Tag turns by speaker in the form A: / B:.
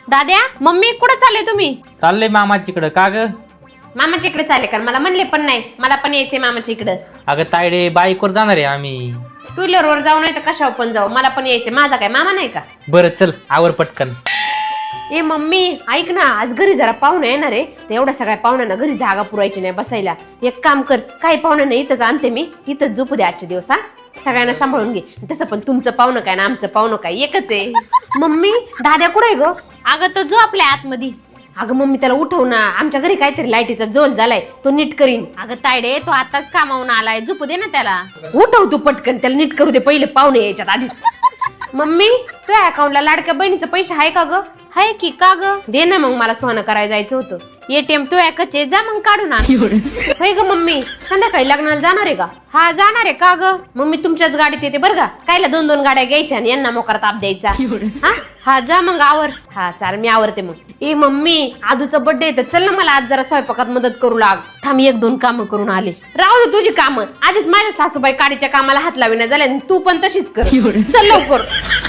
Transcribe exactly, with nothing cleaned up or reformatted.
A: दाद्या मम्मी कुठे चालले तुम्ही?
B: चाललंय मामाच्याकडं. का ग?
A: मामाच्या इकडे चालले का? मला म्हणले पण नाही, मला पण यायचंय मामाच्या इकडे.
B: अगं तायडे बाईकवर जाणार आहे आम्ही.
A: टू व्हीलर वर जाऊ नाही तर कशावर पण जाऊ, मला पण यायचंय. माझा काय मामा नाही का?
B: बरं चल आवर पटकन.
A: ए मम्मी ऐक ना, आज घरी जरा पाहुणे येणार आहे. तर एवढ्या सगळ्या पाहुण्यांना घरी जागा पुरायची नाही बसायला. एक काम कर, काही पाहुण्यांना इथंच आणते मी, इथंच झोपू दे आजचे दिवस. हा सगळ्यांना सांभाळून घे. तसं पण तुमचं पाहुणं काय ना आमचं पाहुणं काय एकच आहे. मम्मी दाद्या कुठे ग? अगं तो जो आपल्या आतमध्ये. अगं मम्मी त्याला उठव ना, आमच्या घरी काहीतरी लाईटीचा जोल झालाय, तो नीट करीन. अगं तायडे तो आताच कामावून आलाय, झोपू दे ना त्याला. उठव तू पटकन, त्याला नीट करू दे पहिले, पाहुणे यायच्यात आधीच. मम्मी तुझ्या अकाउंटला लाडक्या बहिणीचं पैसे आहे का ग? हाय की. का ग? दे ना मग, मला सोनं करायला जायचं होतं. एटीएम तू ऐकचे जा मग काढून आण. होय ग मम्मी, संध्याकाळी लग्नाला जाणार आहे का? हा जाणार आहे. का ग? मम्मी तुमच्याच गाडीत येते बरं का, कायला दोन दोन गाड्या घ्यायच्या आणि यांना मोकार ताप द्यायचा. हा हा जा मग आवर. हा चाल मी आवरते मग. ए मम्मी आदूचा बर्थडे आहे, तर चल ना मला आज जरा स्वयंपाकात मदत करू लाग. थांब एक दोन कामं करून आले. राहू दे तुझी कामं, आधीच माझ्या सासूबाई काडीच्या कामाला हात लाविना झाल्या, तू पण तशीच कर. चल लवकर.